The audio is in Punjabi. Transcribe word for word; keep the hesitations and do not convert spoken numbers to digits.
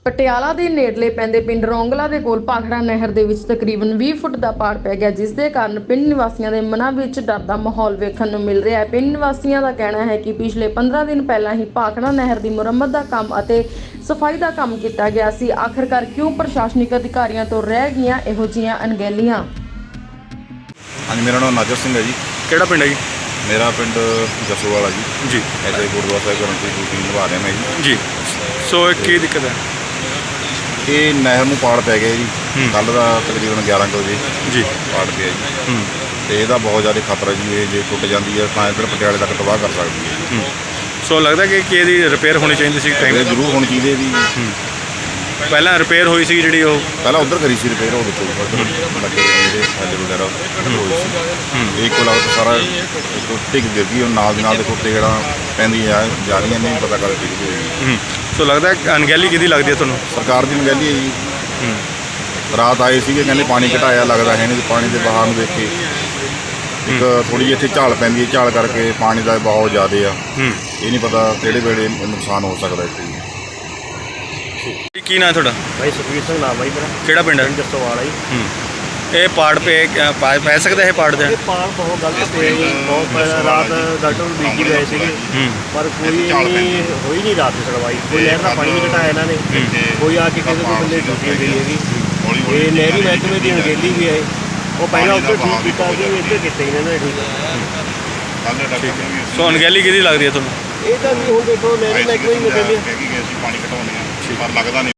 ਪਟਿਆਲਾ ਦੇ ਨੇੜਲੇ ਪੈਂਦੇ ਪਿੰਡ ਰੌਂਗਲਾ ਦੇ ਕੋਲ ਭਾਖੜਾ ਨਹਿਰ ਦੇ ਵਿੱਚ ਤਕਰੀਬਨ ਵੀਹ ਫੁੱਟ ਦਾ ਪਾੜ ਪੈ ਗਿਆ, ਜਿਸ ਦੇ ਕਾਰਨ ਪਿੰਡ ਨਿਵਾਸੀਆਂ ਦੇ ਮਨਾਂ ਵਿੱਚ ਡਰ ਦਾ ਮਾਹੌਲ ਵੇਖਣ ਨੂੰ ਮਿਲ ਰਿਹਾ ਹੈ। ਪਿੰਡ ਨਿਵਾਸੀਆਂ ਦਾ ਕਹਿਣਾ ਹੈ ਕਿ ਪਿਛਲੇ ਪੰਦਰਾਂ ਦਿਨ ਪਹਿਲਾਂ ਹੀ ਭਾਖੜਾ ਨਹਿਰ ਦੀ ਮੁਰੰਮਤ ਦਾ ਕੰਮ ਅਤੇ ਸਫਾਈ ਦਾ ਕੰਮ ਕੀਤਾ ਗਿਆ ਸੀ। ਆਖਰਕਾਰ ਕਿਉਂ ਪ੍ਰਸ਼ਾਸਨਿਕ ਅਧਿਕਾਰੀਆਂ ਤੋਂ ਰਹਿ ਗਈਆਂ ਇਹੋ ਜਿਹੀਆਂ ਅਣਗਹਿਲੀਆਂ। ਹਾਂਜੀ, ਮੇਰਾ ਨਾਮ ਨਾਜਰ ਸਿੰਘ ਹੈ ਜੀ। ਕਿਹੜਾ ਪਿੰਡ ਹੈ ਜੀ? ਮੇਰਾ ਪਿੰਡ ਜਸੋਵਾਲਾ ਜੀ। ਜੀ ਐਸੇ ਗੁਰਦੁਆਰਾ ਸਾਹਿਬ ਕਰਨ ਦੀ ਡਿਊਟੀ ਨਿਭਾ ਰਿਹਾ ਮੈਂ ਜੀ। ਜੀ ਸੋ ਇਹ ਕੀ ਦਿੱਕਤ ਹੈ? ਇਹ ਨਹਿਰ ਨੂੰ ਪਾੜ ਪੈ ਗਿਆ ਜੀ। ਕੱਲ੍ਹ ਦਾ ਤਕਰੀਬਨ ਗਿਆਰਾਂ ਕੁ ਵਜੇ ਜੀ ਪਾੜ ਪਿਆ ਜੀ। ਹੂੰ ਤੇ ਇਹਦਾ ਬਹੁਤ ਜ਼ਿਆਦਾ ਖਤਰਾ ਜੀ। ਇਹ ਜੇ ਟੁੱਟ ਜਾਂਦੀ ਹੈ ਤਾਂ ਇੱਧਰ ਪਟਿਆਲੇ ਤੱਕ ਤਬਾਹ ਕਰ ਸਕਦੀ ਹੈ। ਹੂੰ ਸੋ ਲੱਗਦਾ ਕਿ ਕਿ ਇਹਦੀ ਰਿਪੇਅਰ ਹੋਣੀ ਚਾਹੀਦੀ ਸੀ ਟਾਈਮ ਇਹ ਜ਼ਰੂਰ ਹੋਣੀ ਚਾਹੀਦੀ ਹੈ ਜੀ। ਹੂੰ ਪਹਿਲਾਂ ਰਿਪੇਅਰ ਹੋਈ ਸੀ ਜਿਹੜੀ ਉਹ ਪਹਿਲਾਂ ਉੱਧਰ ਕਰੀ ਸੀ ਰਿਪੇਅਰ, ਉਹ ਦੇਖੋ ਉੱਧਰ ਲੱਗੇ ਜਿਹੜੇ ਸਾਡੇ ਵਗੈਰਾ ਹੋਈ ਸੀ। ਇਹ ਕੋਲ ਆਉਟ ਸਾਰਾ ਟੁੱਟ ਗਿਰ ਗਈ। ਉਹ ਨਾਲ ਦੀ ਨਾਲ ਦੇਖੋ ਤੇੜਾਂ ਪੈਂਦੀਆਂ ਜਾ ਰਹੀਆਂ, ਨਹੀਂ ਪਤਾ ਕਦ ਟਿਕ ਹੋਈ। ਹੂੰ ਸੋ ਲੱਗਦਾ ਅਣਗਹਿਲੀ ਕਿਹਦੀ ਲੱਗਦੀ ਹੈ ਤੁਹਾਨੂੰ? ਸਰਕਾਰ ਦੀ ਅਣਗਹਿਲੀ ਹੈ ਜੀ। ਹੂੰ ਰਾਤ ਆਏ ਸੀਗੇ, ਕਹਿੰਦੇ ਪਾਣੀ ਘਟਾਇਆ, ਲੱਗਦਾ ਹੈ ਨਹੀਂ। ਪਾਣੀ ਦੇ ਬਹਾਅ ਨੂੰ ਦੇਖ ਕੇ ਇੱਕ ਥੋੜ੍ਹੀ ਜਿਹੀ ਇੱਥੇ ਝਾਲ ਪੈਂਦੀ ਹੈ, ਝਾਲ ਕਰਕੇ ਪਾਣੀ ਦਾ ਬਹਾਅ ਜ਼ਿਆਦਾ ਆ। ਹੂੰ ਇਹ ਨਹੀਂ ਪਤਾ ਕਿਹੜੇ ਵੇਲੇ ਨੁਕਸਾਨ ਹੋ ਸਕਦਾ ਇੱਥੇ। ਕੀ ਨਾਂ ਤੁਹਾਡਾ? ਭਾਈ ਸੁਖਵੀਰ ਸਿੰਘ ਨਾਮ ਹੈ ਮੇਰਾ। ਕਿਹੜਾ ਪਿੰਡ ਹੈ? ਜਸੋਵਾਲਾ ਜੀ। ਹੂੰ ਇਹ ਪਾੜ ਪੇ ਪਾ- ਪੈ ਸਕਦਾ ਇਹ ਪਾੜ ਦੇ? ਇਹ ਪਾੜ ਬਹੁਤ ਗਲਤ ਪਿਆ ਜੀ। ਬਹੁਤ ਪਹਿਲਾਂ ਰਾਤ ਡਾਕਟਰ ਨੂੰ ਬੀਜੀ ਗਏ ਸੀਗੇ, ਹੂੰ ਪਰ ਕੋਈ ਨਹੀਂ ਹੋਈ ਨਹੀਂ ਰਾਤ ਦੀ ਸੁਣਵਾਈ। ਕੋਈ ਨਹਿਰ ਦਾ ਪਾਣੀ ਨਹੀਂ ਘਟਾਇਆ ਇਹਨਾਂ ਨੇ, ਕੋਈ ਆ ਕੇ ਕਿਸੇ ਕੋਈ ਬੰਦੇ ਡਿਊਟੀ ਗਈ ਹੈਗੀ। ਇਹ ਨਹਿਰੀ ਮਹਿਕਮੇ ਦੀ ਅਣਗਹਿਲੀ ਵੀ ਹੈ। ਉਹ ਪਹਿਲਾਂ ਉੱਧਰ ਠੀਕ ਕੀਤਾ ਸੀ, ਇੱਧਰ ਕੀਤਾ ਇਹਨਾਂ ਨੇ ਠੀਕ। ਸੋ ਅਣਗਹਿਲੀ ਕਿਹਦੀ ਲੱਗਦੀ ਹੈ ਤੁਹਾਨੂੰ? ਇਹ ਤਾਂ ਹੁਣ ਦੇਖੋ ਨਹਿਰੀ ਮਹਿਕਮੇ ਹੀ ਮਿਲਦੇ ਪਾਣੀ ਘਟਾਉਂਦੇ ਆ ਪਰ ਲੱਗਦਾ ਨਹੀਂ।